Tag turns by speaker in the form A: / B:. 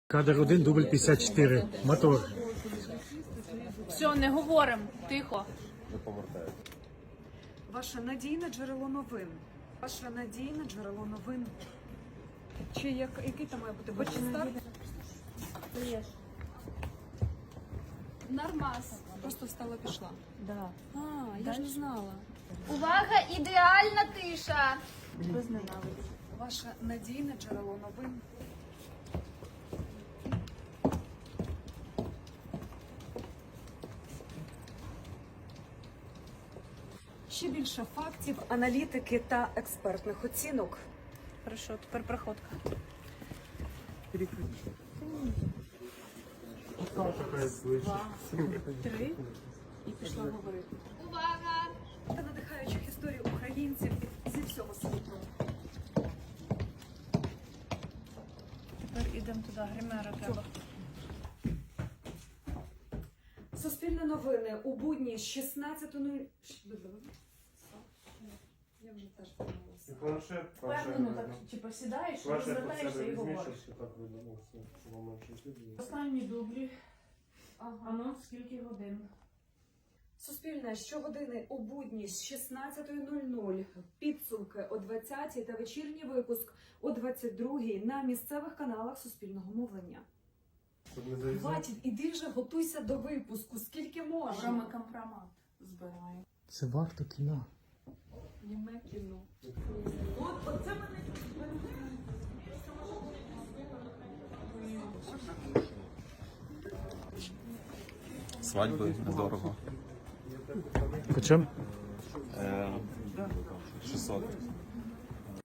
A: Кадр 1, дубль 54. Мотор.
B: Все, не говоримо, тихо.
C: Ваше надійне джерело новин. Ваше надійне джерело новин. Чи який там має бути бачистар?
B: Нормас.
C: Просто встала, пішла.
B: Да.
C: А, я ж не знала.
D: Увага, ідеальна тиша.
C: Ваше надійне джерело новин. Ще більше фактів, аналітики та експертних оцінок.
B: Хорошо, тепер проходка. Три. І пішла говорити.
D: Увага!
C: Та надихаючих історій українців зі всього світу.
B: Тепер ідемо туди, гримера треба.
C: Суспільне новини у будні з 16:00. Я вже теж помилилася.
E: Планшет,
B: Впевнено, так, типу, сідаєш, розвертаєшся і говориш. Останні дублі. Анонс скільки годин.
C: Суспільне щогодини у будні з 16:00. Підсумки о 20:00 та вечірній випуск о 22:00 на місцевих каналах Суспільного мовлення. Хватить, іди вже готуйся до випуску, скільки
B: Вже
C: можна.
B: ми компромат збираємо.
A: Це варто кіно.
C: Німе кіно.
F: Свадьби недорого.
A: По чому?
F: 600.